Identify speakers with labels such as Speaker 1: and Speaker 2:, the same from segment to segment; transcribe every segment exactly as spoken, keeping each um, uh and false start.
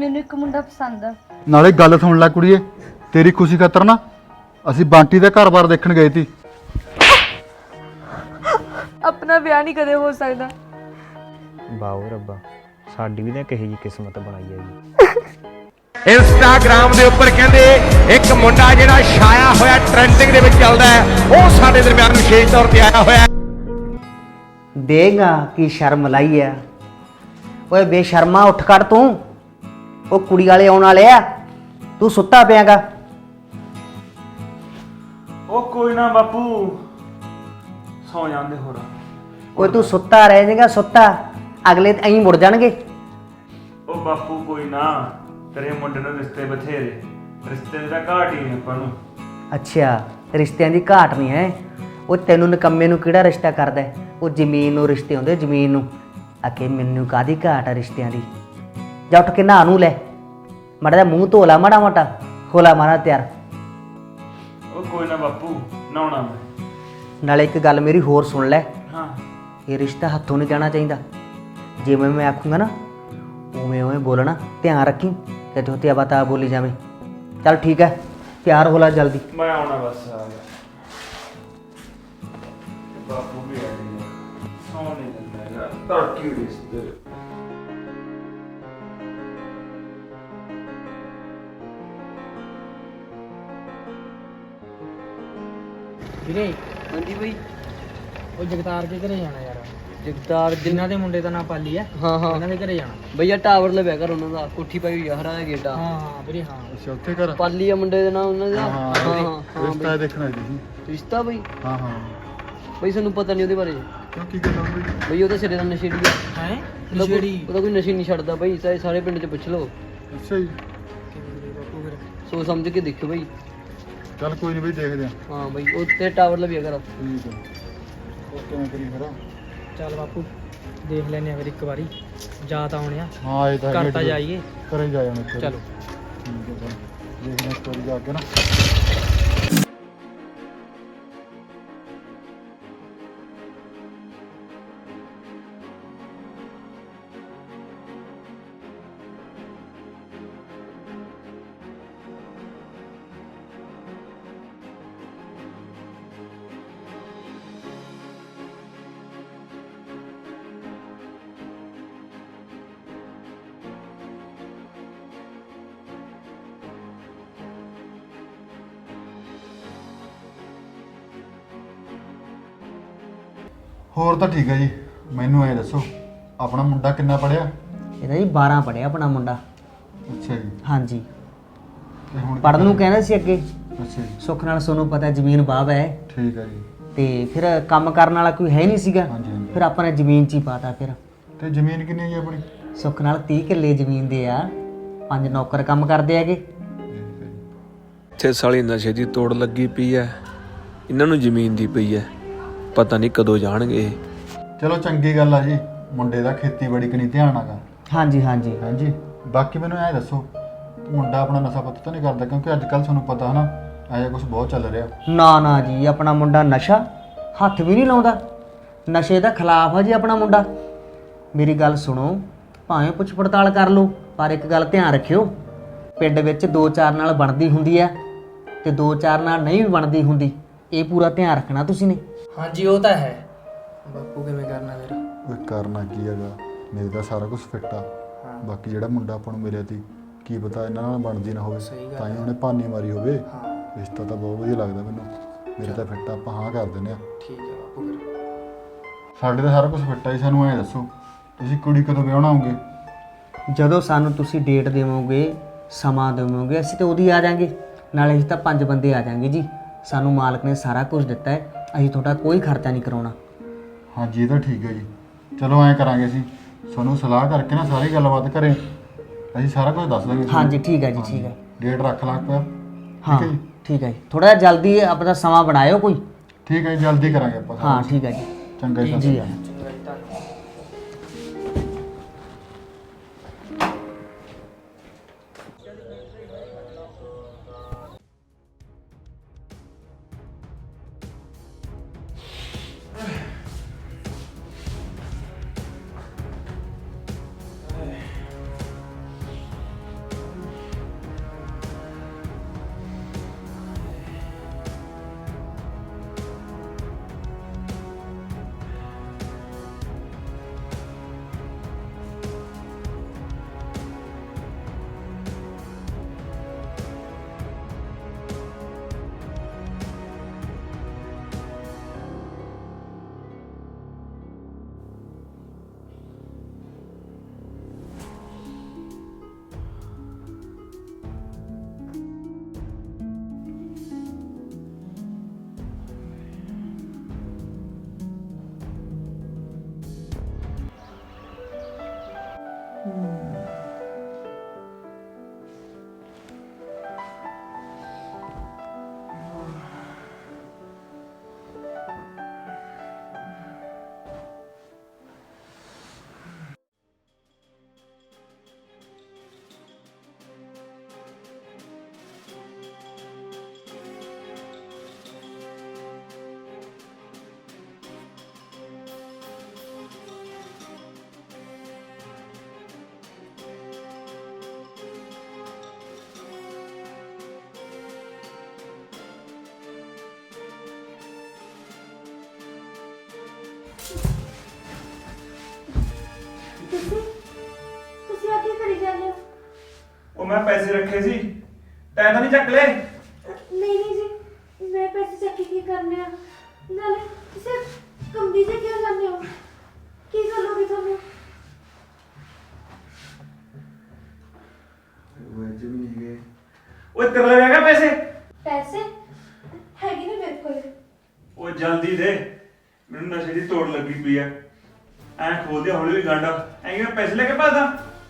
Speaker 1: ਮੈਨੂੰ ਇੱਕ ਮੁੰਡਾ ਪਸੰਦ ਆ।
Speaker 2: ਨਾਲੇ ਗੱਲ ਸੁਣ ਲੈ ਕੁੜੀਏ, ਤੇਰੀ ਖੁਸ਼ੀ ਖਾਤਰ ਨਾ ਅਸੀਂ ਬੰਟੀ ਦਾ ਘਰ-ਬਾਰ ਦੇਖਣ ਗਏ ਸੀ।
Speaker 1: ਆਪਣਾ ਵਿਆਹ ਨਹੀਂ ਕਦੇ ਹੋ ਸਕਦਾ।
Speaker 3: ਵਾਓ ਰੱਬਾ, ਸਾਡੀ ਵੀ ਤਾਂ ਕਿਹੋ ਜਿਹੀ ਕਿਸਮਤ ਬਣਾਈ ਹੈ ਜੀ।
Speaker 4: ਇੰਸਟਾਗ੍ਰਾਮ ਦੇ ਉੱਪਰ ਕਹਿੰਦੇ ਇੱਕ ਮੁੰਡਾ ਜਿਹੜਾ ਛਾਇਆ ਹੋਇਆ ਟ੍ਰੈਂਡਿੰਗ ਦੇ ਵਿੱਚ ਚੱਲਦਾ ਹੈ, ਉਹ ਸਾਡੇ ਦਰਮਿਆਨ ਵਿਸ਼ੇਸ਼ ਤੌਰ ਤੇ ਆਇਆ ਹੋਇਆ।
Speaker 5: देगा की शर्म लाई है। ओए बेशर्मा उठ कर तू, वो कुड़ी वाले आने वाले आ, तू सुता पियागा।
Speaker 6: ਉਹ ਕੋਈ ਨਾ ਬਾਪੂ, ਸੌ ਜਾਂਦੇ ਹੋਰ।
Speaker 5: ओए तू सुता रह जाएगा, सुता अगले अं मुड़ जाएंगे।
Speaker 6: ਉਹ ਬਾਪੂ ਕੋਈ ਨਾ, ਤੇਰੇ ਮੁੰਡੇ ਨੂੰ ਰਿਸ਼ਤੇ ਬਥੇਰੇ, ਰਿਸ਼ਤੇ ਦੀ ਤਾਂ ਘਾਟ ਹੀ ਨਹੀਂ ਆਪਾਂ ਨੂੰ।
Speaker 5: अच्छा रिश्तियां की घाट नहीं है। वो तेनू निकम्मे नू किहड़ा रिश्ता करदा है? वो जमीन नू रिश्ते होंदे, जमीन नू। आके मैनू कादी घाट है रिश्तियां दी? जा उठ के नहा नू ले, माड़ा जिहा मूँह धो ला, माड़ा मोटा होला मारा तैयार।
Speaker 6: ਉਹ ਕੋਈ ਨਾ ਬਾਪੂ, ਨਹਾਉਣਾ ਮੈਂ।
Speaker 5: नाले एक गल मेरी होर सुन लै,
Speaker 6: ਹਾਂ
Speaker 5: ये रिश्ता हथों नहीं जाना चाहिए। जिवें मैं आखूँगा ना उवें उवें बोलना, ध्यान रखी कि धोतिया बाता बोली जावे। चल ठीक है, तैयार हो ला जल्दी।
Speaker 6: ਮੈਂ ਆਉਣਾ ਬਸ, ਆ ਗਿਆ। ਬਾਪੂ ਵੀ ਆ ਗਿਆ, ਸੌ ਨਹੀਂ ਦਿੰਦਾ ਯਾਰ, ਧਰਤੀ ਰਿਸ਼ਤੇ।
Speaker 7: ਵੀਰੇ
Speaker 8: ਹਾਂਜੀ ਬਈ।
Speaker 7: ਉਹ ਜਗਤਾਰ ਦੇ ਘਰੇ ਜਾਣਾ ਯਾਰ।
Speaker 8: ਜਗਤਾਰ
Speaker 7: ਜਿਨ੍ਹਾਂ ਦੇ ਮੁੰਡੇ ਦਾ ਨਾਂ ਪਾਲੀ ਆ,
Speaker 8: ਹਾਂ ਹਾਂ
Speaker 7: ਉਹਨਾਂ ਦੇ ਘਰੇ ਜਾਣਾ।
Speaker 8: ਬਈਆ ਟਾਵਰ ਲਵਿਆ ਕਰ ਉਹਨਾਂ ਦਾ, ਕੋਠੀ ਪਾਈ ਹੋਈ ਆ, ਹਰਾ ਦਾ ਗੇਟ ਆ।
Speaker 7: ਹਾਂ ਹਾਂ ਵੀਰੇ ਹਾਂ।
Speaker 2: ਅੱਛਾ ਉੱਥੇ ਕਰ।
Speaker 8: ਪਾਲੀ ਆ ਮੁੰਡੇ ਦੇ ਨਾਲ ਉਹਨਾਂ ਦਾ।
Speaker 2: ਹਾਂ
Speaker 8: ਹਾਂ
Speaker 2: ਹਾਂ
Speaker 8: ਹਾਂ
Speaker 2: ਰਿਸ਼ਤਾ ਦੇਖਣਾ ਜੀ।
Speaker 8: ਰਿਸ਼ਤਾ ਬਈ?
Speaker 2: ਹਾਂ ਹਾਂ
Speaker 8: ਬਈ ਸਾਨੂੰ ਪਤਾ ਨਹੀਂ ਉਹਦੇ ਬਾਰੇ।
Speaker 2: ਕਿਉਂ ਕੀ ਗੱਲ ਹੋਈ?
Speaker 8: ਬਈ ਉਹ ਤਾਂ ਸਿਰੇ ਦਾ ਨਸ਼ੇੜੀ ਆ।
Speaker 7: ਹੈ
Speaker 8: ਉਹਦਾ ਕੋਈ ਉਹਦਾ ਕੋਈ ਨਸ਼ੇ ਨਹੀਂ ਛੱਡਦਾ ਬਈ, ਸਾਰੇ ਸਾਰੇ ਪਿੰਡ 'ਚ ਪੁੱਛ ਲਓ।
Speaker 2: ਅੱਛਾ ਜੀ,
Speaker 8: ਸੋਚ ਸਮਝ ਕੇ ਦੇਖਿਓ ਬਈ।
Speaker 2: ਚੱਲ ਕੋਈ ਨਹੀਂ ਬਈ, ਦੇਖਦੇ ਆ।
Speaker 8: ਹਾਂ ਬਈ ਉਹ ਤੇ ਟਾਵਰ ਲਵਿਆ ਕਰ।
Speaker 2: ਠੀਕ ਹੈ, ਉਹ ਕਿਵੇਂ ਕਰੀ ਫਿਰ?
Speaker 7: ਚੱਲ ਬਾਪੂ ਦੇਖ ਲੈਨੇ ਆ ਫਿਰ ਇੱਕ ਵਾਰੀ, ਜਾ ਤਾਂ ਆਉਣੇ ਆ।
Speaker 2: ਹਾਂ ਇਹ ਤਾਂ
Speaker 7: ਘਰ ਤਾਂ ਜਾਈਏ।
Speaker 2: ਕਰੇ ਜਾ ਜਾਣਾ।
Speaker 7: ਚਲੋ
Speaker 2: ਠੀਕ ਹੈ, ਫਿਰ ਦੇਖਦੇ ਹਾਂ ਸਟੋਰੀ ਜਾ ਕੇ ਨਾ। ਹੋਰ ਤਾਂ ਠੀਕ ਹੈ ਜੀ। ਮੈਨੂੰ ਐ ਦੱਸੋ, ਆਪਣਾ ਮੁੰਡਾ ਕਿੰਨਾ ਪੜਿਆ?
Speaker 5: ਇਹਦਾ ਜੀ ਬਾਰਾਂ ਪੜਿਆ ਆਪਣਾ ਮੁੰਡਾ।
Speaker 2: ਅੱਛਾ ਜੀ।
Speaker 5: ਹਾਂਜੀ,
Speaker 2: ਤੇ ਹੁਣ
Speaker 5: ਪੜਨ ਨੂੰ ਕਹਿੰਦਾ ਸੀ ਅੱਗੇ।
Speaker 2: ਅੱਛਾ ਜੀ,
Speaker 5: ਸੁੱਖ ਨਾਲ ਸੋਨੂੰ ਪਤਾ ਜ਼ਮੀਨ ਬਾਬ ਹੈ,
Speaker 2: ਠੀਕ ਹੈ ਜੀ।
Speaker 5: ਤੇ ਫਿਰ ਕੰਮ ਕਰਨ ਵਾਲਾ ਕੋਈ ਹੈ ਨਹੀਂ ਸੀਗਾ।
Speaker 2: ਹਾਂਜੀ ਹਾਂਜੀ।
Speaker 5: ਫਿਰ ਆਪਾਂ ਨੇ ਜ਼ਮੀਨ 'ਚ ਹੀ ਪਾਤਾ। ਫਿਰ
Speaker 2: ਤੇ ਜ਼ਮੀਨ ਕਿੰਨੀ ਹੈ ਜੀ ਆਪਣੀ?
Speaker 5: ਸੁੱਖ ਨਾਲ ਤੀਹ ਕਿੱਲੇ ਜ਼ਮੀਨ ਦੇ ਆ, ਪੰਜ ਨੌਕਰ ਕੰਮ ਕਰਦੇ ਹੈਗੇ।
Speaker 9: ਇੱਥੇ ਸਾਲੀ ਨਸ਼ੇ ਦੀ ਤੋੜ ਲੱਗੀ ਪਈ ਐ, ਇਹਨਾਂ ਨੂੰ ਜ਼ਮੀਨ ਦੀ ਪਈ ਐ, ਪਤਾ ਨਹੀਂ ਕਦੋਂ ਜਾਣਗੇ ਇਹ।
Speaker 2: ਚਲੋ ਚੰਗੀ ਗੱਲ ਆ ਜੀ, ਮੁੰਡੇ ਦਾ ਖੇਤੀਬਾੜੀ ਕਨੀ ਧਿਆਨ ਆਗਾ।
Speaker 5: ਹਾਂਜੀ ਹਾਂਜੀ
Speaker 2: ਹਾਂਜੀ, ਬਾਕੀ ਮੈਨੂੰ ਐ ਦੱਸੋ, ਮੁੰਡਾ ਆਪਣਾ ਨਸ਼ਾ ਪੱਤਾ ਤਾਂ ਨਹੀਂ ਕਰਦਾ? ਕਿਉਂਕਿ ਅੱਜ ਕੱਲ੍ਹ ਤੁਹਾਨੂੰ ਪਤਾ ਹਨਾ, ਇਹੋ ਜਿਹਾ ਕੁਝ ਬਹੁਤ ਚੱਲ ਰਿਹਾ।
Speaker 5: ਨਾ ਨਾ ਜੀ, ਆਪਣਾ ਮੁੰਡਾ ਨਸ਼ਾ ਹੱਥ ਵੀ ਨਹੀਂ ਲਾਉਂਦਾ। ਨਸ਼ੇ ਦਾ ਖਿਲਾਫ ਆ ਜੀ ਆਪਣਾ ਮੁੰਡਾ। ਮੇਰੀ ਗੱਲ ਸੁਣੋ, ਭਾਵੇਂ ਪੁੱਛ ਪੜਤਾਲ ਕਰ ਲਓ, ਪਰ ਇੱਕ ਗੱਲ ਧਿਆਨ ਰੱਖਿਓ, ਪਿੰਡ ਵਿੱਚ ਦੋ ਚਾਰ ਨਾਲ ਬਣਦੀ ਹੁੰਦੀ ਆ ਤੇ ਦੋ ਚਾਰ ਨਾਲ ਨਹੀਂ ਵੀ ਬਣਦੀ ਹੁੰਦੀ। ਇਹ ਪੂਰਾ ਧਿਆਨ ਰੱਖਣਾ ਤੁਸੀਂ ਨੇ।
Speaker 7: ਹਾਂਜੀ ਉਹ ਤਾਂ ਹੈ। ਬਾਪੂ ਕਿਵੇਂ ਕਰਨਾ ਫਿਰ?
Speaker 2: ਉਹ ਕਰਨਾ ਕੀ ਹੈਗਾ, ਮੇਰੇ ਤਾਂ ਸਾਰਾ ਕੁਝ ਫਿੱਟ ਆ। ਬਾਕੀ ਜਿਹੜਾ ਮੁੰਡਾ ਆਪਾਂ ਨੂੰ ਮਿਲਿਆ ਸੀ, ਕੀ ਪਤਾ ਇਹਨਾਂ ਨਾਲ ਬਣਦੀ ਨਾ ਹੋਵੇ, ਤਾਂ ਹੀ ਉਹਨੇ ਭਾਨੀ ਮਾਰੀ ਹੋਵੇ। ਰਿਸ਼ਤਾ ਤਾਂ ਬਹੁਤ ਵਧੀਆ ਲੱਗਦਾ ਮੈਨੂੰ, ਮੇਰੇ ਤਾਂ ਫਿੱਟ ਆ, ਆਪਾਂ ਹਾਂ ਕਰ ਦਿੰਦੇ ਆ।
Speaker 7: ਠੀਕ ਹੈ ਬਾਪੂ ਫਿਰ।
Speaker 2: ਸਾਡੇ ਤਾਂ ਸਾਰਾ ਕੁਝ ਫਿੱਟ ਆ ਜੀ। ਸਾਨੂੰ ਐਂ ਦੱਸੋ, ਤੁਸੀਂ ਕੁੜੀ ਕਦੋਂ ਵਿਆਹਣਾ ਆਉਂਗੇ?
Speaker 5: ਜਦੋਂ ਸਾਨੂੰ ਤੁਸੀਂ ਡੇਟ ਦੇਵੋਗੇ, ਸਮਾਂ ਦੇਵੋਗੇ, ਅਸੀਂ ਤਾਂ ਉਹਦੀ ਆ ਜਾਾਂਗੇ। ਨਾਲੇ ਅਸੀਂ ਤਾਂ ਪੰਜ ਬੰਦੇ ਆ ਜਾਾਂਗੇ ਜੀ। ਸਾਨੂੰ ਮਾਲਕ ਨੇ ਸਾਰਾ ਕੁਝ ਦਿੱਤਾ ਹੈ, ਅਸੀਂ ਤੁਹਾਡਾ ਕੋਈ ਖਰਚਾ ਨਹੀਂ ਕਰਾਉਣਾ।
Speaker 2: ਹਾਂਜੀ ਇਹ ਤਾਂ ਠੀਕ ਹੈ ਜੀ। ਚਲੋ ਐਂ ਕਰਾਂਗੇ, ਅਸੀਂ ਤੁਹਾਨੂੰ ਸਲਾਹ ਕਰਕੇ ਨਾ ਸਾਰੀ ਗੱਲਬਾਤ ਕਰੇ, ਅਸੀਂ ਸਾਰਾ ਕੁਝ ਦੱਸ ਦਾਂਗੇ।
Speaker 5: ਹਾਂਜੀ ਠੀਕ ਹੈ ਜੀ, ਠੀਕ ਹੈ।
Speaker 2: ਡੇਟ ਰੱਖ ਲਾਂ ਆਪਾਂ।
Speaker 5: ਹਾਂ ਠੀਕ ਹੈ ਜੀ, ਥੋੜਾ ਜਿਹਾ ਜਲਦੀ ਆਪਣਾ ਸਮਾਂ ਬਣਾਇਓ ਕੋਈ।
Speaker 2: ਠੀਕ ਹੈ ਜੀ, ਜਲਦੀ ਕਰਾਂਗੇ ਆਪਾਂ।
Speaker 5: ਹਾਂ ਠੀਕ ਹੈ ਜੀ,
Speaker 2: ਚੰਗਾ ਜੀ।
Speaker 5: ਜੀ
Speaker 6: ਮੈਂ ਪੈਸੇ ਰੱਖੇ ਸੀ ਤੈਂ ਤਾਂ ਨਹੀਂ ਚੱਕ ਲਏ?
Speaker 1: ਨਹੀਂ ਨਹੀਂ ਜੀ ਮੈਂ ਪੈਸੇ ਚੱਕ ਕੇ ਕੀ ਕਰਨੇ ਆ ਨਾਲੇ ਤੁਸੀਂ ਕੰਬੀ ਜੇ ਕਿਉਂ ਜਾਂਦੇ ਹੋ ਕੀ ਗੱਲ ਹੋ ਗਈ ਤੁਹਾਨੂੰ
Speaker 2: ਵੈਸੇ ਵੀ ਨਹੀਂ ਗਏ।
Speaker 6: ਓਏ ਤੇਰੇ ਲਈ ਹੈਗਾ ਪੈਸੇ?
Speaker 1: ਪੈਸੇ ਹੈਗੇ ਨੇ ਮੇਰੇ ਕੋਲ
Speaker 6: ਓਏ ਜਲਦੀ ਦੇ ਮੈਨੂੰ ਨਸ਼ੇ ਦੀ ਤੋੜ ਲੱਗੀ ਪਈ ਐ ਐਂ ਖੋਲ ਦੇ ਹੌਲੀ ਹੌਲੀ ਗਾਂਡਾ ਐਂ ਕਿਵੇਂ ਪੈਸੇ ਲੈ ਕੇ ਭੱਜਦਾ?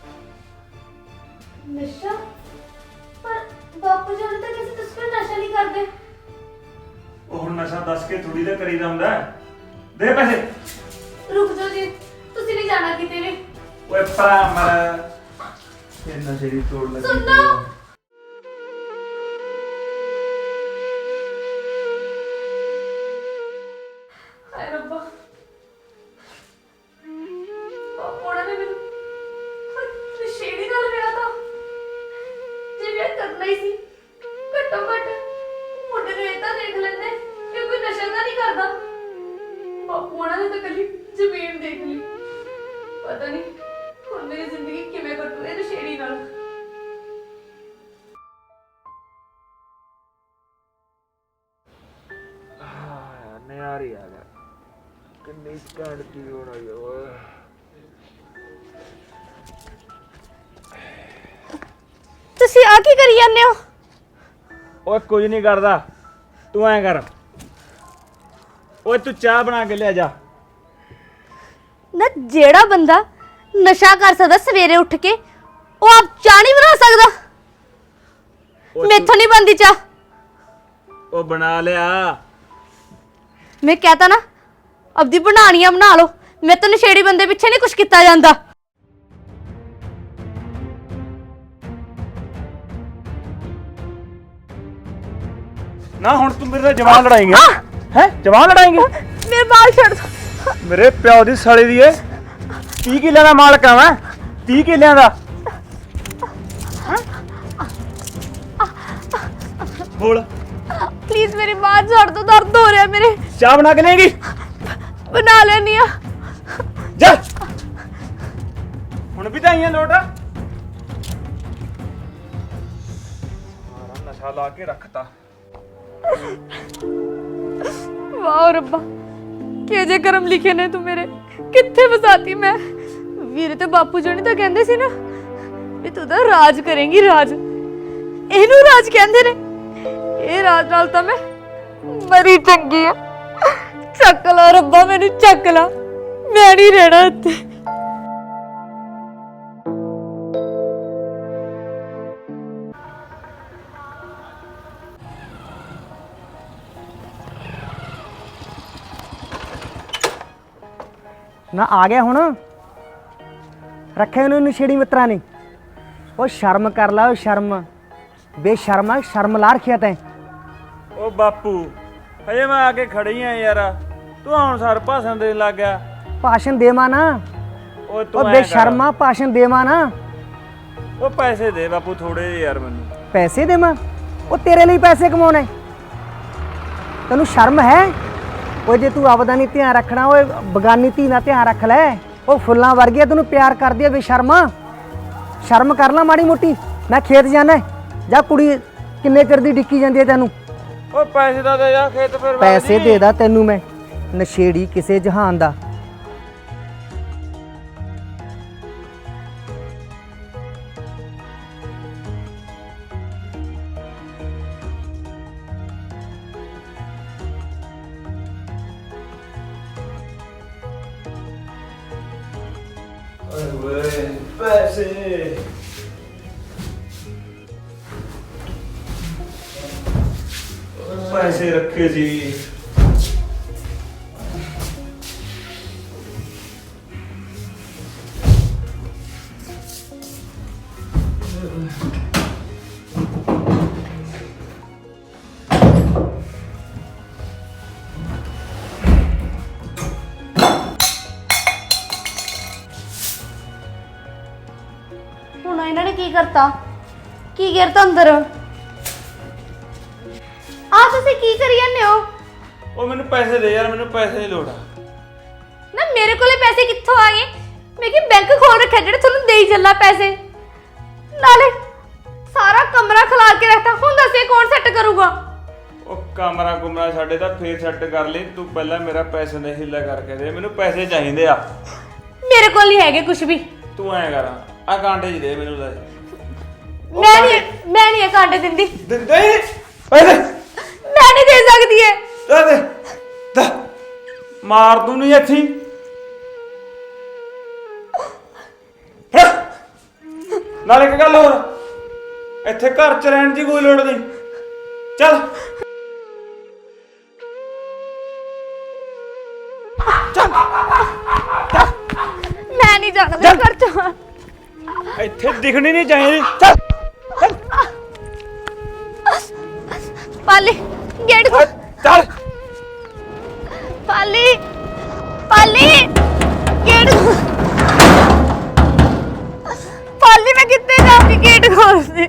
Speaker 1: ਨਸ਼ਾ ਪਰ ਬਾਪੂ ਜੀ ਹੁਣ ਤੱਕ ਕਿਸੇ ਤੁਸੀਂ ਨਸ਼ਾ ਨਹੀਂ ਕਰਦੇ
Speaker 6: ਉਹ ਹੁਣ ਨਸ਼ਾ ਦੱਸ ਕੇ ਥੋੜੀ ਦਾ ਕਰੀਦਾ ਹੁੰਦਾ ਦੇ ਪੈਸੇ।
Speaker 1: ਰੁਕ ਜਾਓ ਜੀ ਤੁਸੀਂ ਨਹੀਂ ਜਾਣਾ ਕਿਤੇ ਵੀ
Speaker 6: ਓਏ ਭਰਾ ਮਰ ਇਹ ਨਸ਼ੇ ਦੀ ਤੋੜ ਲੱਗੀ ਪਈ
Speaker 1: ਸੁਣੋ।
Speaker 6: ਐ।
Speaker 1: ਹਾਏ ਰੱਬਾ ਪਾਪਾ ਨੇ ਮੈਨੂੰ ਨਸ਼ੇੜੀ ਨਾਲ ਵਿਆਹ ਤਾਂ ਜੇ ਵਿਆਹ ਕਰਨਾ ਹੀ ਸੀ ਘੱਟੋ ਘੱਟ ਮੁੰਡੇ ਨੂੰ ਇਹ ਤਾਂ ਦੇਖ ਲੈਂਦੇ ਕਿ ਕੋਈ ਨਸ਼ਾ ਤਾਂ ਨਹੀਂ ਕਰਦਾ ਬਾਪੂ ਨੇ ਤਾਂ ਕੱਲੀ ਜ਼ਮੀਨ ਦੇਖ ਲਈ ਪਤਾ ਨਹੀਂ ਹੁਣ ਮੇਰੀ ਜ਼ਿੰਦਗੀ ਕਿਵੇਂ ਕੱਟੂ ਇਹ ਨਸ਼ੇੜੀ ਨਾਲ
Speaker 6: ਨਿਆਰੀ ਆ ਗਿਆ ਕਿੰਨੀ ਘੈਂਟ ਦੀ ਹੋਣੀ ਓਏ
Speaker 1: ਤੁਸੀਂ ਆ ਕੀ ਕਰੀ ਜਾਂਦੇ ਹੋ
Speaker 6: ਓਏ ਕੁਝ ਨਹੀਂ ਕਰਦਾ ਤੂੰ ਐਂ ਕਰ ਓਏ ਤੂੰ ਚਾਹ ਬਣਾ ਕੇ ਲਿਆ ਜਾ।
Speaker 1: ਨਾ ਜਿਹੜਾ ਬੰਦਾ ਨਸ਼ਾ ਕਰ ਸਕਦਾ ਸਵੇਰੇ ਉੱਠ ਕੇ ਉਹ ਆਪ ਚਾਹ ਨਹੀਂ ਬਣਾ ਸਕਦਾ
Speaker 6: ਓ
Speaker 1: ਮੈਥੋਂ ਨਹੀਂ ਬਣਦੀ ਚਾਹ
Speaker 6: ਤੂੰ- ਉਹ ਬਣਾ ਲਿਆ
Speaker 1: ਮੈਂ ਕਹਤਾ ਨਾ ਆਪਦੀ ਬਣਾਣੀਆਂ ਬਣਾ ਲਓ ਮੈਂ ਤਾਂ ਨਸ਼ੇੜੀ ਬੰਦੇ ਪਿੱਛੇ ਨਹੀਂ ਕੁਝ ਕੀਤਾ ਜਾਂਦਾ
Speaker 6: ਨਾ ਹੁਣ ਤੂੰ ਮੇਰੇ ਨਾਲ ਜਵਾਨ ਲੜਾਏਂਗੇ ਹੈ ਜਵਾਨ ਲੜਾਏਂਗੇ
Speaker 1: ਮੇਰੇ ਬਾਲ ਛੱਡ ਦੋ
Speaker 6: ਮੇਰੇ ਪਿਓ ਦੀ ਸਾਲੀ ਦੀ ਏ ਤੀਹ ਕਿੱਲਿਆਂ ਦਾ ਮਾਲਕ ਆ ਮੈਂ ਤੀਹ ਕਿੱਲਿਆਂ ਦਾ ਬੋਲ
Speaker 1: ਪਲੀਜ਼ ਮੇਰੀ ਬਾਲ ਛੱਡ ਦੋ ਦਰਦ ਹੋ ਰਿਹਾ ਮੇਰੇ
Speaker 6: ਚਾਹ ਬਣਾ ਕੇ ਲਏਂਗੀ
Speaker 1: ਬਣਾ ਲੈਣੀ ਆ
Speaker 6: ਜਾ ਹੁਣ ਵੀ ਤਾਂ ਆਈਆਂ ਲੋਟ ਸਾਰਾ ਨਸ਼ਾ ਲਾ ਕੇ ਰੱਖਤਾ
Speaker 1: ਵਾਹ ਰੱਬਾ ਕਿ ਜੇ ਕਰਮ ਲਿਖੇ ਨੇ ਤੂੰ ਮੇਰੇ ਕਿੱਥੇ ਫਸਾਤੀ ਮੈਂ ਵੀਰੇ ਤੇ ਬਾਪੂ ਜੀ ਤਾਂ ਕਹਿੰਦੇ ਸੀ ਨਾ ਵੀ ਤੂੰ ਤਾਂ ਰਾਜ ਕਰੇਂਗੀ ਰਾਜ ਇਹਨੂੰ ਰਾਜ ਕਹਿੰਦੇ ਨੇ ਇਹ ਰਾਜ ਨਾਲ ਤਾਂ ਮੈਂ ਮਰੀ ਚੰਗੀ ਆ ਚੱਕ ਲਾ ਰੱਬਾ ਮੈਨੂੰ ਚੱਕ ਲਾ ਮੈਂ ਨਹੀਂ ਰਹਿਣਾ ਇੱਥੇ
Speaker 5: ਨਾ ਆ ਗਿਆ ਹੁਣ ਰੱਖਿਆ ਉਹਨੂੰ ਨਸ਼ੇੜੀ ਮਿੱਤਰਾਂ ਨੇ ਉਹ ਸ਼ਰਮ ਕਰ ਲਾ ਉਹ ਸ਼ਰਮ ਬੇਸ਼ਰਮਾ ਸ਼ਰਮ ਲਾ ਰੱਖਿਆ ਤੈਂ
Speaker 6: ਓ ਬਾਪੂ ਹਜੇ ਮੈਂ ਆ ਕੇ ਖੜੀ ਆ ਯਾਰ ਤੂੰ ਹੁਣ ਸਰ ਭਾਸ਼ਣ ਦੇਣ ਲੱਗ ਗਿਆ
Speaker 5: ਭਾਸ਼ਣ ਦੇਵਾਂ ਨਾ
Speaker 6: ਓ ਤੂੰ
Speaker 5: ਉਹ
Speaker 6: ਐਂ
Speaker 5: ਬੇਸ਼ਰਮਾ ਭਾਸ਼ਣ ਦੇਵਾਂ ਨਾ
Speaker 6: ਕਰ। ਓ ਪੈਸੇ ਦੇ ਬਾਪੂ ਥੋੜੇ ਜਿਹੇ ਯਾਰ ਮੈਨੂੰ
Speaker 5: ਪੈਸੇ ਦੇਵਾਂ ਉਹ ਤੇਰੇ ਲਈ ਪੈਸੇ ਕਮਾਉਣੇ ਤੈਨੂੰ ਸ਼ਰਮ ਹੈ ਉਹ ਜੇ ਤੂੰ ਆਪਦਾ ਨਹੀਂ ਧਿਆਨ ਰੱਖਣਾ ਓਏ ਬਗਾਨੀ ਧੀ ਨਾਲ ਧਿਆਨ ਰੱਖ ਲੈ ਉਹ ਫੁੱਲਾਂ ਵਰਗੀ ਆ ਤੈਨੂੰ ਪਿਆਰ ਕਰਦੀ ਆ ਬੇਸ਼ਰਮਾ ਸ਼ਰਮ ਕਰ ਲੈ ਮਾੜੀ ਮੋਟੀ ਮੈਂ ਖੇਤ ਜਾਣਾ ਜਾਂ ਕੁੜੀ ਕਿੰਨੇ ਚਿਰ ਦੀ ਡਿੱਕੀ ਜਾਂਦੀ ਹੈ ਤੈਨੂੰ
Speaker 6: ਓ ਪੈਸੇ ਦਾ ਦੇ ਜਾ ਖੇਤ ਫਿਰ
Speaker 5: ਪੈਸੇ ਦੇ ਦਾ ਤੈਨੂੰ ਮੈਂ ਨਸ਼ੇੜੀ ਕਿਸੇ ਜਹਾਨ ਦਾ
Speaker 6: ਓਏ ਪੈਸੇ ਪੈਸੇ ਰੱਖੇ ਸੀ
Speaker 1: ਹੁਣ ਇਹਨਾਂ ਨੇ ਕੀ ਕਰਤਾ ਕੀ ਗਿਰਤਾ ਅੰਦਰ ਆ ਤੁਸੀਂ ਕੀ ਕਰੀ ਜਾਂਦੇ ਹੋ
Speaker 6: ਉਹ ਮੈਨੂੰ ਪੈਸੇ ਦੇ ਯਾਰ ਮੈਨੂੰ ਪੈਸੇ ਦੀ ਲੋੜ ਆ
Speaker 1: ਨਾ ਮੇਰੇ ਕੋਲੇ ਪੈਸੇ ਕਿੱਥੋਂ ਆ ਗਏ ਮੈਂ ਕਿ ਬੈਂਕ ਖੋਲ ਰੱਖਿਆ ਜਿਹੜੇ ਤੁਹਾਨੂੰ ਦੇਈ ਚੱਲਾ ਪੈਸੇ ਨਾਲੇ ਕਰੂਗਾ?
Speaker 6: ਉਹ ਕਮਰਾ ਕੁਮਰਾ ਸਾਡੇ ਤਾਂ ਫੇਰ ਸੈੱਟ ਕਰ ਲਈ, ਤੂੰ ਪਹਿਲਾਂ ਮੇਰਾ ਪੈਸੇ ਦਾ ਹਿੱਲਾ ਕਰਕੇ ਦੇ, ਮੈਨੂੰ ਪੈਸੇ ਚਾਹੀਦੇ ਆ।
Speaker 1: ਮੇਰੇ ਕੋਲ ਨਹੀਂ ਹੈਗੇ ਕੁਝ ਵੀ।
Speaker 6: ਤੂੰ ਐਂ ਕਰ, ਆ ਕਾਂਟੇ ਚ ਦੇ ਮੈਨੂੰ ਲੈ।
Speaker 1: ਮੈਂ ਨਹੀਂ ਮੈਂ ਨਹੀਂ ਇਹ ਕਾਂਟੇ ਦਿੰਦੀ।
Speaker 6: ਦਿੰਦੇ ਹੀ ਪੈਸੇ
Speaker 1: ਮੈਂ ਨਹੀਂ ਦੇ ਸਕਦੀ ਏ।
Speaker 6: ਦੇ ਦੇ ਦੇ। ਮਾਰ ਦੂੰ ਨਹੀਂ ਇੱਥੇ। ਫੜ। ਨਾਲ ਇੱਕ ਗੱਲ ਹੋਰ, ਇੱਥੇ ਘਰ ਚ ਰਹਿਣ ਦੀ ਕੋਈ ਲੋੜ ਨਹੀਂ, ਚੱਲ।
Speaker 1: ਮੈਂ ਨਹੀਂ ਜਾਣਾ ਘਰ ਚ।
Speaker 6: ਇੱਥੇ ਦਿਖਣੀ ਨਹੀਂ ਚਾਹੀਦੀ, ਚੱਲ।
Speaker 1: ਪਾਲੀ ਗੇਟ ਖੋਲ।
Speaker 6: ਚੱਲ
Speaker 1: ਪਾਲੀ ਪਾਲੀ ਗੇਟ ਖੋਲ। ਪਾਲੀ ਮੈਂ ਕਿੱਥੇ ਜਾਊਂਗੀ? ਗੇਟ ਖੋਲ ਦੇ।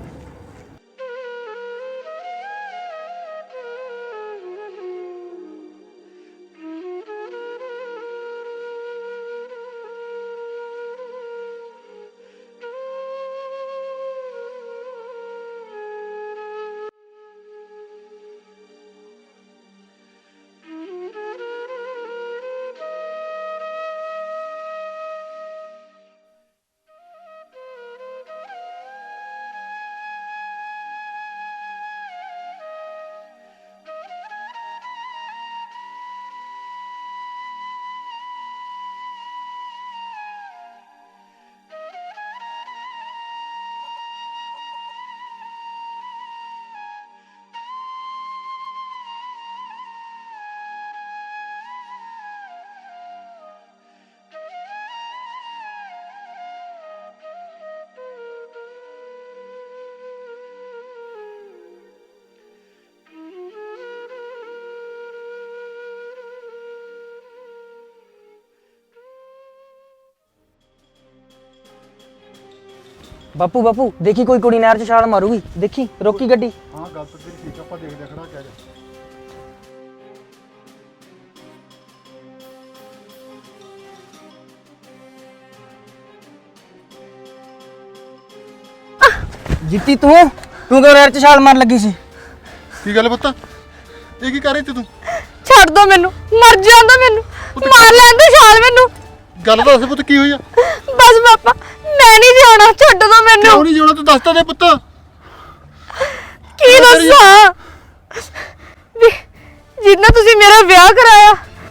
Speaker 7: ਬਾਪੂ ਬਾਪੂ ਦੇਖੀ ਕੋਈ ਕੁੜੀ ਨਹਿਰ 'ਚ ਛਾਲ ਮਾਰੂਗੀ, ਦੇਖੀ ਰੋਕੀ ਗੱਡੀ।
Speaker 2: ਹਾਂ ਗੱਲ ਤਾਂ ਤੇਰੀ ਠੀਕ ਆ, ਆਪਾਂ ਦੇਖਦੇ ਖੜਾ ਕਹਿ ਜਾ।
Speaker 7: ਜਿੱਤੀ ਤੂੰ ਤੂੰ ਕਿਉਂ ਨਹਿਰ 'ਚ ਛਾਲ ਮਾਰਨ ਲੱਗੀ ਸੀ?
Speaker 2: ਕੀ ਗੱਲ ਪੁੱਤ, ਇਹ ਕੀ ਕਰ ਰਹੀ ਤੇ ਤੂੰ?
Speaker 1: ਛੱਡ ਦੋ ਮੈਨੂੰ, ਮਰ ਜਾਂਦਾ ਮੈਨੂੰ, ਮਾਰ ਲੈਣ ਦੇ ਛਾਲ ਮੈਨੂੰ।
Speaker 2: ਗੱਲ ਤਾਂ ਦੱਸ ਪੁੱਤ, ਕੀ ਹੋਈ ਆ?
Speaker 1: ਬਸ ਪਾਪਾ ਮੈਂ ਨਹੀਂ ਜਾਣਾ, ਛੱਡ ਦੋ ਮੈਨੂੰ।
Speaker 2: ਕਿਉਂ ਨਹੀਂ ਜਾਣਾ, ਤੂੰ ਦੱਸ ਤਾਂ ਦੇ ਪੁੱਤ।
Speaker 1: ਕੀ ਦੱਸਾਂ ਵੀ ਜਿੰਨਾ ਤੁਸੀਂ ਮੇਰਾ ਵਿਆਹ ਕਰਾਇਆ,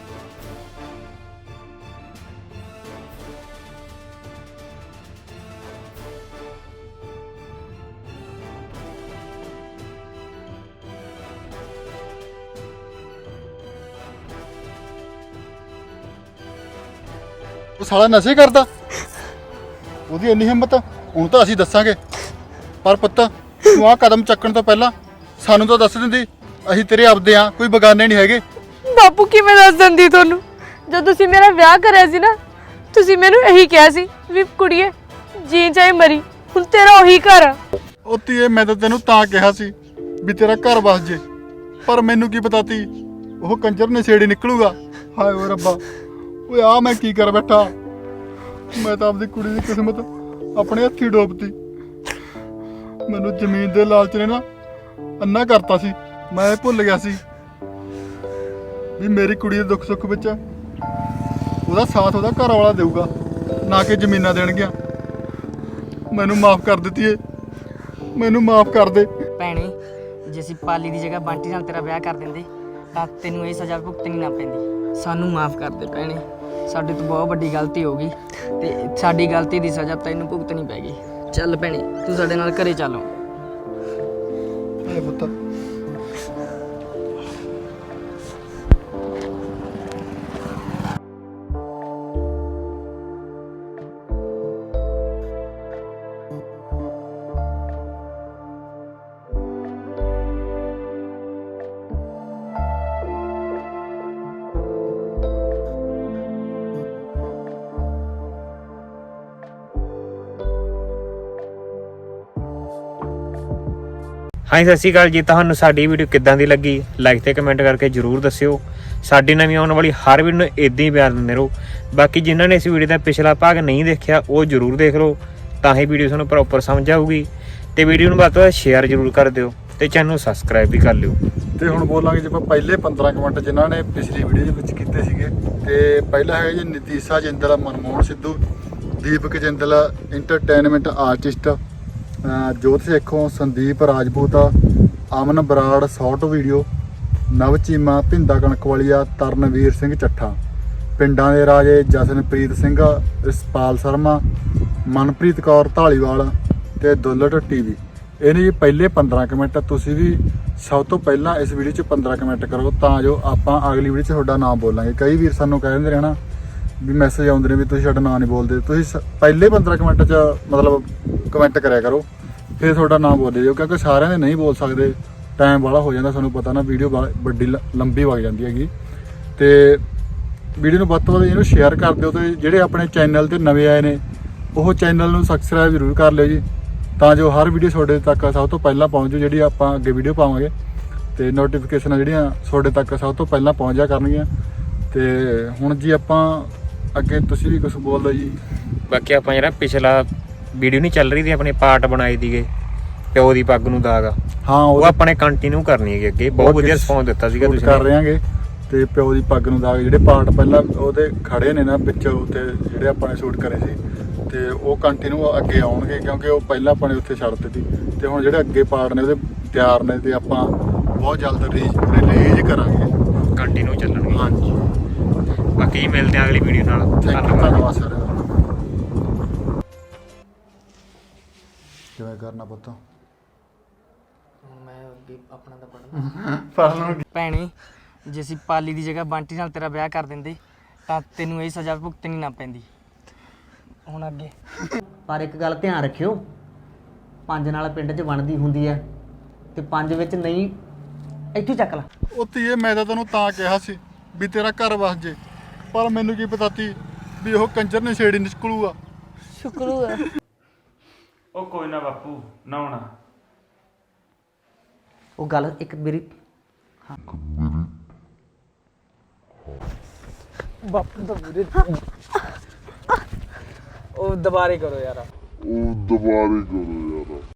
Speaker 2: ਉਹ ਸਾਲਾ ਨਸ਼ੇ ਕਰਦਾ, ਉਹਦੀ ਇੰਨੀ ਹਿੰਮਤ, ਹੁਣ ਤਾਂ ਅਸੀਂ ਦੱਸਾਂਗੇ। ਪਰ ਪੁੱਤ ਤੂੰ ਆਹ ਕਦਮ ਚੱਕਣ ਤੋਂ ਪਹਿਲਾਂ ਸਾਨੂੰ ਤਾਂ ਦੱਸ ਦਿੰਦੀ, ਅਸੀਂ ਤੇਰੇ ਆਪਦੇ ਆ, ਕੋਈ ਬਗਾਨੇ ਨਹੀਂ ਹੈਗੇ।
Speaker 1: ਬਾਪੂ ਕਿਵੇਂ ਦੱਸ ਦਿੰਦੀ ਤੁਹਾਨੂੰ? ਜਦ ਤੁਸੀਂ ਮੇਰਾ ਵਿਆਹ ਕਰਿਆ ਸੀ ਨਾ, ਤੁਸੀਂ ਮੈਨੂੰ ਇਹੀ ਕਿਹਾ ਸੀ ਵੀ ਕੁੜੀਏ ਜੀ ਚਾਹੇ ਮਰੀ, ਹੁਣ ਤੇਰਾ ਉਹੀ ਘਰ ਆ।
Speaker 2: ਉਹ ਧੀਏ, ਮੈਂ ਤਾਂ ਤੈਨੂੰ ਤਾਂ ਕਿਹਾ ਸੀ ਵੀ ਤੇਰਾ ਘਰ ਵਸ ਜੇ, ਪਰ ਮੈਨੂੰ ਕੀ ਪਤਾ ਤੀ ਉਹ ਕੰਜਰ ਨਸ਼ੇੜੀ ਨਿਕਲੂਗਾ। ਹਾਏ ਓ ਰੱਬਾ, ਓਏ ਆ ਮੈਂ ਕੀ ਕਰ ਬੈਠਾ। ਮੈਂ ਤਾਂ ਆਪਦੀ ਕੁੜੀ ਦੀ ਕਿਸਮਤ ਆਪਣੇ ਹੱਥੀ ਡੋਬਤੀ। ਮੈਨੂੰ ਜ਼ਮੀਨ ਦੇ ਲਾਲਚ ਨੇ ਨਾ ਅੰਨਾ ਕਰਤਾ ਸੀ। ਮੈਂ ਇਹ ਭੁੱਲ ਗਿਆ ਸੀ ਵੀ ਮੇਰੀ ਕੁੜੀ ਦੇ ਦੁੱਖ ਸੁੱਖ ਵਿੱਚ ਉਹਦਾ ਸਾਥ ਉਹਦਾ ਘਰ ਵਾਲਾ ਦੇਊਗਾ, ਨਾ ਕਿ ਜ਼ਮੀਨਾਂ ਦੇਣਗੀਆਂ। ਮੈਨੂੰ ਮਾਫ ਕਰ ਦਿੱਤੀ ਏ, ਮੈਨੂੰ ਮਾਫ ਕਰ ਦੇ।
Speaker 7: ਭੈਣੇ ਜੇ ਅਸੀਂ ਪਾਲੀ ਦੀ ਜਗ੍ਹਾ ਬੰਟੀ ਨਾਲ ਤੇਰਾ ਵਿਆਹ ਕਰ ਦਿੰਦੇ ਤਾਂ ਤੈਨੂੰ ਇਹ ਸਜ਼ਾ ਭੁਗਤਣੀ ਨਾ ਪੈਂਦੀ। ਸਾਨੂੰ ਮਾਫ ਕਰ ਦੇ ਭੈਣੇ, ਸਾਡੇ ਤੋਂ ਬਹੁਤ ਵੱਡੀ ਗਲਤੀ ਹੋ ਗਈ ਤੇ ਸਾਡੀ ਗਲਤੀ ਦੀ ਸਜ਼ਾ ਤੈਨੂੰ ਭੁਗਤਣੀ ਪੈ ਗਈ। ਚੱਲ ਭੈਣੇ ਤੂੰ ਸਾਡੇ ਨਾਲ ਘਰੇ ਚੱਲ।
Speaker 2: ਇਹ ਪੁੱਤ
Speaker 3: ਹਾਂਜੀ ਸਤਿ ਸ਼੍ਰੀ ਅਕਾਲ ਜੀ। ਤੁਹਾਨੂੰ ਸਾਡੀ ਵੀਡੀਓ ਕਿੱਦਾਂ ਦੀ ਲੱਗੀ ਲਾਈਕ ਤੇ ਕਮੈਂਟ ਕਰਕੇ ਜਰੂਰ ਦੱਸਿਓ। ਸਾਡੀ ਨਵੀਂ ਆਉਣ ਵਾਲੀ ਹਰ ਵੀਡੀਓ ਨੂੰ ਇਦਾਂ ਹੀ ਪਿਆਰ ਦਿੰਦੇ ਰਹੋ। ਬਾਕੀ ਜਿਨ੍ਹਾਂ ਨੇ ਇਸ ਵੀਡੀਓ ਦਾ ਪਿਛਲਾ ਭਾਗ ਨਹੀਂ ਦੇਖਿਆ ਉਹ ਜਰੂਰ ਦੇਖ ਲਓ, ਤਾਂ ਹੀ ਵੀਡੀਓ ਤੁਹਾਨੂੰ ਪ੍ਰੋਪਰ ਸਮਝ ਆਊਗੀ। ਤੇ ਵੀਡੀਓ ਨੂੰ ਵੱਧ ਤੋਂ ਵੱਧ ਸ਼ੇਅਰ ਜਰੂਰ ਕਰ ਦਿਓ। ਤੇ ਚੈਨਲ ਨੂੰ ਸਬਸਕ੍ਰਾਈਬ ਵੀ ਕਰ ਲਿਓ।
Speaker 2: ਤੇ ਹੁਣ ਬੋਲਾਂਗੇ ਜੇ ਆਪਾਂ ਪਹਿਲੇ ਪੰਦਰਾਂ ਕੁ ਮਿੰਟ ਜਿਨ੍ਹਾਂ ਨੇ ਪਿਛਲੀ ਵੀਡੀਓ ਦੇ ਵਿੱਚ ਕੀਤੇ ਸੀਗੇ। ਤੇ ਪਹਿਲਾ ਹੈਗਾ ਜੀ Nitisha Jindal, Manmohan Sidhu, Deepak Jindal entertainment artist, Jot Sekhon, Sandeep Rajput, Aman Brar short video, Nav Cheema, Bhinda ਕਣਕਵਾਲੀਆ, ਤਰਨਵੀਰ Singh Chattha, ਪਿੰਡਾਂ ਦੇ ਰਾਜੇ ਜਸਨਪ੍ਰੀਤ ਸਿੰਘ, ਰਿਸਪਾਲ ਸ਼ਰਮਾ, ਮਨਪ੍ਰੀਤ ਕੌਰ ਢਾਲੀਵਾਲ ਤੇ ਦੁੱਲਟ ਟੀਵੀ। ਇਹਨੇ ਜੀ ਪਹਿਲੇ ਪੰਦਰਾਂ ਕੁ ਮਿੰਟ ਤੁਸੀਂ ਵੀ ਸਭ ਤੋਂ ਪਹਿਲਾਂ ਇਸ ਵੀਡੀਓ 'ਚ ਪੰਦਰਾਂ ਕੁ ਮਿੰਟ ਕਰੋ ਤਾਂ ਜੋ ਆਪਾਂ ਅਗਲੀ ਵੀਡੀਓ 'ਚ ਤੁਹਾਡਾ ਨਾਮ ਬੋਲਾਂਗੇ। ਕਈ ਵੀਰ ਸਾਨੂੰ ਕਹਿ ਦਿੰਦੇ ਰਹਿਣਾ ਵੀ ਮੈਸੇਜ ਆਉਂਦੇ ਨੇ ਵੀ ਤੁਸੀਂ ਸਾਡਾ ਨਾਮ ਨਹੀਂ ਬੋਲਦੇ। ਤੁਸੀਂ ਸ- ਪਹਿਲੇ ਪੰਦਰਾਂ ਕੁ ਮਿੰਟ 'ਚ ਮਤਲਬ ਕਮੈਂਟ ਕਰਿਆ ਕਰੋ, ਫਿਰ ਤੁਹਾਡਾ ਨਾਮ ਬੋਲੇ ਜਾਓ, ਕਿਉਂਕਿ ਸਾਰਿਆਂ ਦੇ ਨਹੀਂ ਬੋਲ ਸਕਦੇ, ਟਾਈਮ ਵਾਲਾ ਹੋ ਜਾਂਦਾ। ਤੁਹਾਨੂੰ ਪਤਾ ਨਾ ਵੀਡੀਓ ਵੱਡੀ ਲ- ਲੰਬੀ ਵਗ ਜਾਂਦੀ ਹੈਗੀ। ਤੇ ਵੀਡੀਓ ਨੂੰ ਵੱਧ ਤੋਂ ਵੱਧ ਇਹਨੂੰ ਸ਼ੇਅਰ ਕਰ ਦਿਓ ਤੇ ਜਿਹੜੇ ਆਪਣੇ ਚੈਨਲ ਤੇ ਨਵੇਂ ਆਏ ਨੇ ਉਹ ਚੈਨਲ ਨੂੰ ਸਬਸਕ੍ਰਾਈਬ ਜ਼ਰੂਰ ਕਰ ਲਿਓ ਜੀ, ਤਾਂ ਜੋ ਹਰ ਵੀਡੀਓ ਤੁਹਾਡੇ ਤੱਕ ਸਭ ਤੋਂ ਪਹਿਲਾਂ ਪਹੁੰਚ ਜੂ। ਜਿਹੜੀ ਆਪਾਂ ਅੱਗੇ ਵੀਡੀਓ ਪਾਵਾਂਗੇ ਤੇ ਨੋਟੀਫਿਕੇਸ਼ਨਾਂ ਜਿਹੜੀਆਂ ਤੁਹਾਡੇ ਤੱਕ ਸਭ ਤੋਂ ਪਹਿਲਾਂ ਪਹੁੰਚ ਜਾ ਕਰਨਗੀਆਂ। ਤੇ ਹੁਣ ਜੀ ਆਪਾਂ ਅੱਗੇ ਤੁਸੀਂ ਵੀ ਕੁਝ ਬੋਲ ਦਿਓ ਜੀ।
Speaker 3: ਬਾਕੀ ਆਪਾਂ ਜਿਹੜਾ ਪਿਛਲਾ ਵੀਡੀਓ ਨਹੀਂ ਚੱਲ ਰਹੀ ਦੀ ਆਪਣੇ ਪਾਰਟ ਬਣਾਏ ਦੀਗੇ ਪਿਓ ਦੀ ਪੱਗ ਨੂੰ ਦਾਗ,
Speaker 2: ਹਾਂ
Speaker 3: ਉਹ ਆਪਣੇ ਕੰਟੀਨਿਊ ਕਰਨੀ ਹੈਗੀ ਅੱਗੇ। ਬਹੁਤ ਵਧੀਆ ਰਿਸਪੌਂਸ ਦਿੱਤਾ ਸੀਗਾ ਤੁਸੀਂ
Speaker 2: ਕਰ ਰਹੇ ਆਂਗੇ। ਤੇ ਪਿਓ ਦੀ ਪੱਗ ਨੂੰ ਦਾਗ ਜਿਹੜੇ ਪਾਰਟ ਪਹਿਲਾਂ ਉਹਦੇ ਖੜੇ ਨੇ ਨਾ ਵਿੱਚ ਉੱਥੇ ਜਿਹੜੇ ਆਪਾਂ ਨੇ ਸ਼ੂਟ ਕਰੇ ਸੀ, ਤੇ ਉਹ ਕੰਟੀਨਿਊ ਅੱਗੇ ਆਉਣਗੇ ਕਿਉਂਕਿ ਉਹ ਪਹਿਲਾਂ ਆਪਾਂ ਨੇ ਉੱਥੇ ਛੱਡ ਦਿੱਤੀ। ਤੇ ਹੁਣ ਜਿਹੜੇ ਅੱਗੇ ਪਾਰਟ ਨੇ ਉਹਦੇ ਤਿਆਰ ਨੇ ਤੇ ਆਪਾਂ ਬਹੁਤ ਜਲਦ ਰਿਲੀਜ਼ ਕਰਾਂਗੇ,
Speaker 3: ਕੰਟੀਨਿਊ ਚੱਲਣਗੇ।
Speaker 2: ਹਾਂਜੀ,
Speaker 3: ਬਾਕੀ ਜੀ ਮਿਲਦੇ ਹਾਂ ਅਗਲੀ ਵੀਡੀਓ ਨਾਲ।
Speaker 2: ਥੈਂਕ ਯੂ, ਧੰਨਵਾਦ ਸਾਰਿਆਂ ਦਾ। ਕਿਵੇਂ ਕਰਨਾ ਪੁੱਤ?
Speaker 7: ਮੈਂ ਅੱਗੇ ਆਪਣਾ ਤਾਂ ਪੜ੍ਹਨਾ। ਭੈਣੇ, ਜੇ ਅਸੀਂ ਪਾਲੀ ਦੀ ਜਗ੍ਹਾ ਬੰਟੀ ਨਾਲ ਤੇਰਾ ਵਿਆਹ ਕਰ ਦਿੰਦੇ ਤਾਂ ਤੈਨੂੰ ਇਹ ਸਜ਼ਾ ਭੁਗਤਣੀ ਨਾ ਪੈਂਦੀ। ਹੁਣ ਅੱਗੇ
Speaker 5: ਪਰ ਇੱਕ ਗੱਲ ਧਿਆਨ ਰੱਖਿਓ, ਪੰਜ ਨਾਲ ਪਿੰਡ 'ਚ ਬਣਦੀ ਹੁੰਦੀ ਹੈ ਤੇ ਪੰਜ ਵਿੱਚ ਨਹੀਂ। ਇੱਥੇ ਚੱਕ ਲਾ।
Speaker 2: ਉਹ ਧੀਏ ਮੈਂ ਤਾਂ ਤੈਨੂੰ ਤਾਂ ਕਿਹਾ ਸੀ ਵੀ ਤੇਰਾ ਘਰ ਵਸ ਜੇ, ਪਰ ਮੈਨੂੰ ਕੀ ਪਤਾ ਤੀ ਵੀ ਉਹ ਕੰਜਰ ਨਸ਼ੇੜੀ ਨਿਕਲੂਗਾ।
Speaker 1: ਸ਼ੁਕਰੂ ਹੈ।
Speaker 6: ਉਹ ਕੋਈ ਨਾ ਬਾਪੂ, ਨਾ ਹੋਣਾ।
Speaker 5: ਉਹ ਗੱਲ ਇੱਕ ਮੇਰੀ
Speaker 7: ਬਾਪੂ ਦਾ ਵੀਰੇ ਉਹ ਦੁਬਾਰੇ ਕਰੋ ਯਾਰ।
Speaker 10: ਉਹ ਦੁਬਾਰੇ ਕਰੋ ਯਾਰ।